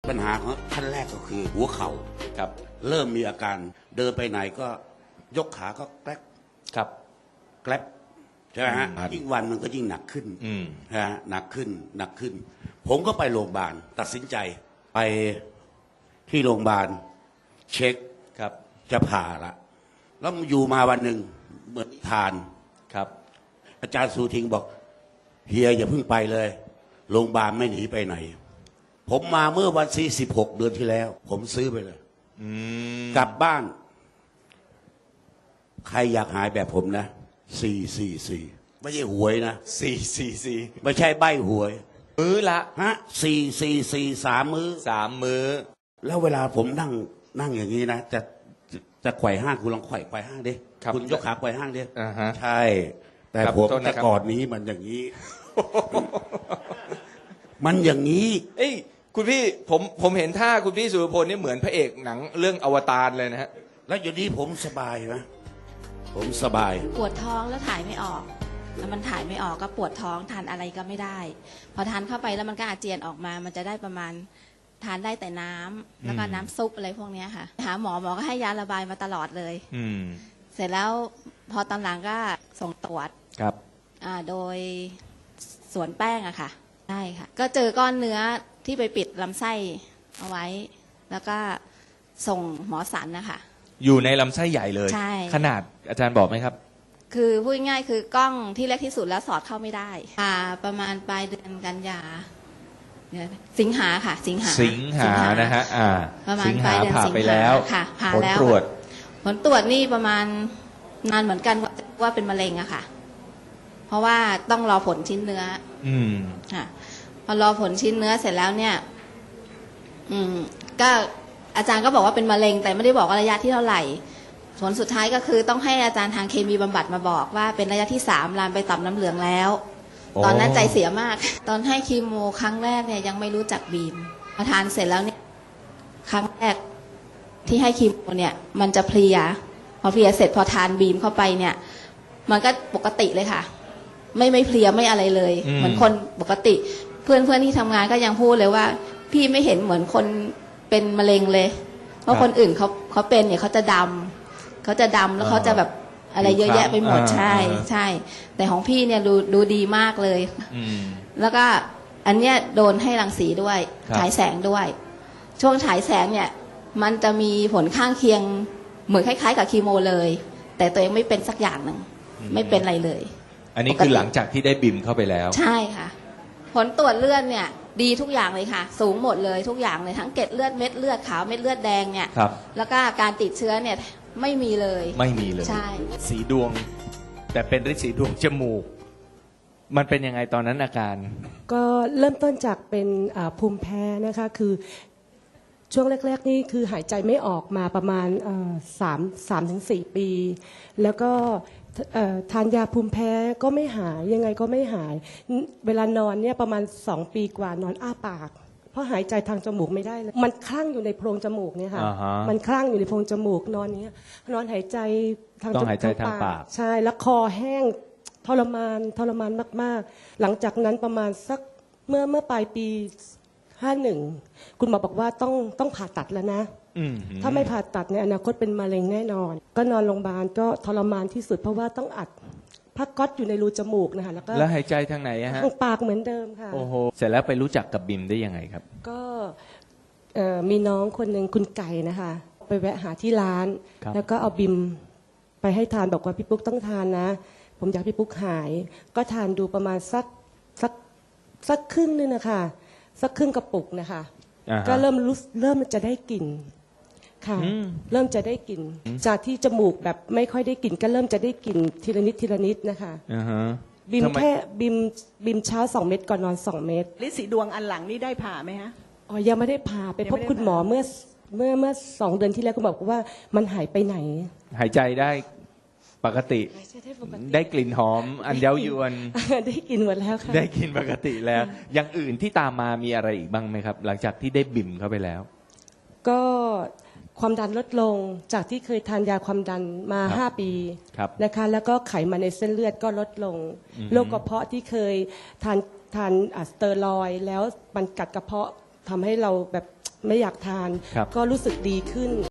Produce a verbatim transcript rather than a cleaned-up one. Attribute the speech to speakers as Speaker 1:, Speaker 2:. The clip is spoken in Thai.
Speaker 1: ปัญหาของท่านแรกก็คือหัวเข่า
Speaker 2: ครับ
Speaker 1: เริ่มมีอาการเดินไปไหนก็ยกขาก็แกลบ
Speaker 2: ครับ
Speaker 1: แกลบใช่ไหมฮะ
Speaker 2: ครับ
Speaker 1: ยิ่งวันมันก็ยิ่งหนักขึ้น
Speaker 2: อืม
Speaker 1: นะฮะหนักขึ้นหนักขึ้น ผมก็ไปโรงพยาบาลตัดสินใจไปที่โรงพยาบาลเช็ค
Speaker 2: ครับ
Speaker 1: จะผ่าละแล้วอยู่มาวันหนึ่งเหมือนนิทาน
Speaker 2: ครับ
Speaker 1: อาจารย์สูทิงบอกเฮียอย่าเพิ่งไปเลยโรงพยาบาลไม่หนีไปไหน ผมมาเมื่อวันที่สิบหกเดือนที่แล้ว ผมซื้อไปเลย
Speaker 2: อืม
Speaker 1: กลับบ้าน ใครอยากหายแบบผมนะสี่สี่สี่ไม่ใช่หวยนะ
Speaker 2: สี่สี่สี่
Speaker 1: ไม่ใช่ใบหวย
Speaker 2: มื้อละ
Speaker 1: ฮะสี่สี่สี่สามมื้อ
Speaker 2: สามมื้อ
Speaker 1: แล้วเวลาผมนั่งนั่งอย่างนี้นะจะจะจะไขว่ห้างคุณลองไขว่ไขว่ห้างดิ
Speaker 2: ครับ
Speaker 1: คุณยกขาไขว่ห้างดิ
Speaker 2: อ่าฮะ
Speaker 1: ใช่ แต่
Speaker 2: ครับ
Speaker 1: ผม
Speaker 2: โทษ
Speaker 1: แต่
Speaker 2: นะครับ
Speaker 1: ก่อนนี้มันอย่างนี้ มันอย่างนี้
Speaker 2: เอ้ยคุณพี่ผมผมเห็นท่าคุณพี่สุรพลนี่เหมือนพระเอกหนังเรื่องอวตารเลยนะฮะ
Speaker 1: แล้วอยู่นี้ผมสบายนะผมสบาย
Speaker 3: ปวดท้องแล้วถ่ายไม่ออกแล้วมันถ่ายไม่ออกก็ปวดท้องทานอะไรก็ไม่ได้ พอทานเข้าไปแล้วมันก็อาเจียนออกมา มันจะได้ประมาณทานได้แต่น้ำแล้วก็น้ำซุปอะไรพวกเนี้ยค่ะหาหมอหมอก็ให้ยาระบายมาตลอดเลย
Speaker 2: อืม
Speaker 3: เสร็จแล้วพอตอนหลังก็ส่งตรวจ
Speaker 2: ครับ
Speaker 3: อ่าโดยสวนแป้งอะค่ะใช่ค่ะ ก็เจอก้อนเนื้อที่ไปปิดลำไส้เอาไว้ แล้วก็ส่งหมอสันนะคะ
Speaker 2: อยู่ในลำไส้ใหญ่เลย
Speaker 3: ใช่
Speaker 2: ขนาดอาจารย์บอกไหมครับ
Speaker 3: คือพูดง่ายๆคือกล้องที่เล็กที่สุดแล้วสอดเข้าไม่ได้อ่าประมาณปลายเดือนกันยาเดี๋ยวนะสิงหาค่ะ สิงหา
Speaker 2: สิงหานะฮะอ่า
Speaker 3: ประมาณ
Speaker 2: สิง
Speaker 3: ปลา
Speaker 2: หาย
Speaker 3: เดือน
Speaker 2: ผ่า
Speaker 3: สิง
Speaker 2: ไป
Speaker 3: หา
Speaker 2: แล้ว
Speaker 3: ค่ะผ่า
Speaker 2: ผล
Speaker 3: แล้ว
Speaker 2: ตรวจ
Speaker 3: ผลตรวจนี่ประมาณนานเหมือนกันว่าว่าเป็นมะเร็งอะค่ะ เพราะว่าต้องรอผลชิ้นเนื้อ
Speaker 2: อืม
Speaker 3: ค่ะพอรอผลชิ้นเนื้อเสร็จแล้วเนี่ย อืม ก็อาจารย์ก็บอกว่าเป็นมะเร็ง แต่ไม่ได้บอกว่าระยะที่เท่าไหร่ ผลสุดท้ายก็คือต้องให้อาจารย์ทางเคมีบำบัดมาบอกว่าเป็นระยะที่สามลามไปต่อมน้ำเหลืองแล้ว
Speaker 2: โอ้
Speaker 3: ตอนนั้นใจเสียมาก ตอนให้คีโมครั้งแรกเนี่ยยังไม่รู้จักบีมพอทานเสร็จแล้วเนี่ย ครั้งแรกที่ให้คีโมเนี่ย มันจะเพลีย พอเพลียเสร็จพอทานบีมเข้าไปเนี่ย มันก็ปกติเลยค่ะ ไม่ไม่เพลียไม่อะไรเลย
Speaker 2: อืม
Speaker 3: เหมือนคนปกติ เพื่อนเพื่อนที่ทำงานก็ยังพูดเลยว่า พี่ไม่เห็นเหมือนคนเป็นมะเร็งเลย เพราะคนอื่นเขาเขาเป็นเนี่ยเขาจะดำเขาจะดำแล้วเขาจะแบบอะไรเยอะแยะไปหมด
Speaker 2: อ่า
Speaker 3: ใช่
Speaker 2: อ่า
Speaker 3: ใช่ แต่ของพี่เนี่ยดูดูดีมากเลย
Speaker 2: อืม
Speaker 3: แล้วก็อันเนี้ยโดนให้รังสีด้วย
Speaker 2: ครับ
Speaker 3: ฉายแสงด้วย ช่วงฉายแสงเนี่ย มันจะมีผลข้างเคียงเหมือนคล้ายๆ กับคีโมเลย แต่ตัวเองไม่เป็นสักอย่างหนึ่งไม่เป็นอะไรเลย
Speaker 2: อันนี้คือหลังจากที่ได้บิมเข้าไปแล้ว
Speaker 3: ใช่ค่ะ ผลตรวจเลือดเนี่ย ดีทุกอย่างเลยค่ะ สูงหมดเลยทุกอย่างเลยทั้งเกล็ดเลือดเม็ดเลือดขาวเม็ดเลือดแดงเนี่ย
Speaker 2: ครับ
Speaker 3: แล้วก็การติดเชื้อเนี่ยไม่มีเลย
Speaker 2: ไม่มีเลย
Speaker 3: ใช่
Speaker 2: สีดวง แต่เป็นฤทธิ์สีดวงจมูก มันเป็นยังไงตอนนั้นอาการ
Speaker 4: ก็เริ่มต้นจากเป็นอ่าภูมิแพ้นะคะคือช่วงแรก ๆ นี่คือหายใจไม่ออกมาประมาณเอ่อสามสามถึงสี่ปี แล้วก็เอ่อทานยาภูมิแพ้ก็ไม่หายยังไงก็ไม่หาย เวลานอนเนี่ยประมาณสองปีกว่านอนอ้าปาก เพราะหายใจทางจมูกไม่ได้เลยมันคลั่งอยู่ในโพรงจมูกเนี่ยค่ะ
Speaker 2: อ่าฮะ
Speaker 4: มันคลั่งอยู่ในโพรงจมูกนอนเนี้ยนอนหายใจทาง
Speaker 2: ต้องหายใจทางปาก
Speaker 4: ใช่แล้วคอแห้งทรมานทรมานมากๆ หลังจากนั้นประมาณสักเมื่อเมื่อปลายปีห้าหนึ่งคุณหมอบอกว่าต้องต้องผ่าตัดแล้วนะ
Speaker 2: อืม
Speaker 4: ถ้าไม่ผ่าตัดในอนาคตเป็นมะเร็งแน่นอน ก็นอนโรงพยาบาลก็ทรมานที่สุดเพราะว่าต้องอัดผ้าก๊อซอยู่ในรูจมูกนะคะแล้วก็
Speaker 2: แล้วหายใจทางไหนอะฮะ
Speaker 4: ทางปากเหมือนเดิมค่ะ
Speaker 2: โอ้โห เสร็จแล้วไปรู้จักกับบิมได้ยังไงครับ
Speaker 4: ก็เอ่อมีน้องคนหนึ่งคุณไก่นะคะ ไปแวะหาที่ร้าน
Speaker 2: ครับ
Speaker 4: แล้วก็เอาบิมไปให้ทานบอกว่าพี่ปุ๊กต้องทานนะ ผมอยากให้พี่ปุ๊กหาย ก็ทานดูประมาณสักสักสักครึ่งนึงนะคะสักครึ่งกระปุกนะคะ
Speaker 2: อ่าฮะ
Speaker 4: ก็เริ่มรู้เริ่มจะได้กลิ่นค่ะ
Speaker 2: อืม
Speaker 4: เริ่มจะได้กลิ่นจากที่จมูกแบบไม่ค่อยได้กลิ่นก็เริ่มจะได้กลิ่นทีละนิดทีละนิดนะคะ
Speaker 2: อ่าฮะ
Speaker 4: บิม
Speaker 2: ทำไม
Speaker 4: แค่บิมบิมเช้าสองเม็ดก่อนนอนสองเม็ด
Speaker 5: ฤทธิ์สีดวงอันหลังนี่ได้ผ่าไหมฮะ
Speaker 4: อ๋อยังไม่ได้ผ่าไป
Speaker 5: ยัง
Speaker 4: พ
Speaker 5: ไม่
Speaker 4: บ
Speaker 5: ได้
Speaker 4: คุณหมอ
Speaker 5: ผ่า
Speaker 4: เมื่อเมื่อเมื่อสองเดือนที่แล้วคุณบอกว่ามันหายไปไหน
Speaker 2: หายใจได้ปกติ
Speaker 4: ได้ปกติ
Speaker 2: ได้กลิ่นหอม อันเย้ายวน
Speaker 4: ได้กินหมดแล้วค่ะ
Speaker 2: ได้กินปกติแล้ว อย่างอื่นที่ตามมามีอะไรอีกบ้างไหมครับ หลังจากที่ได้บิมเข้าไปแล้ว
Speaker 4: ก็ความดันลดลงจากที่เคยทานยาความดันมา
Speaker 2: ครับ
Speaker 4: ห้าปี
Speaker 2: ครับ
Speaker 4: นะคะแล้วก็ไขมันในเส้นเลือดก็ลดลง
Speaker 2: อือฮึ
Speaker 4: โรคกระเพาะที่เคยทานทานอ่ะสเตอรอยด์แล้วมันกัดกระเพาะทำให้เราแบบไม่อยากทาน
Speaker 2: ครับ
Speaker 4: ก็รู้สึกดีขึ้น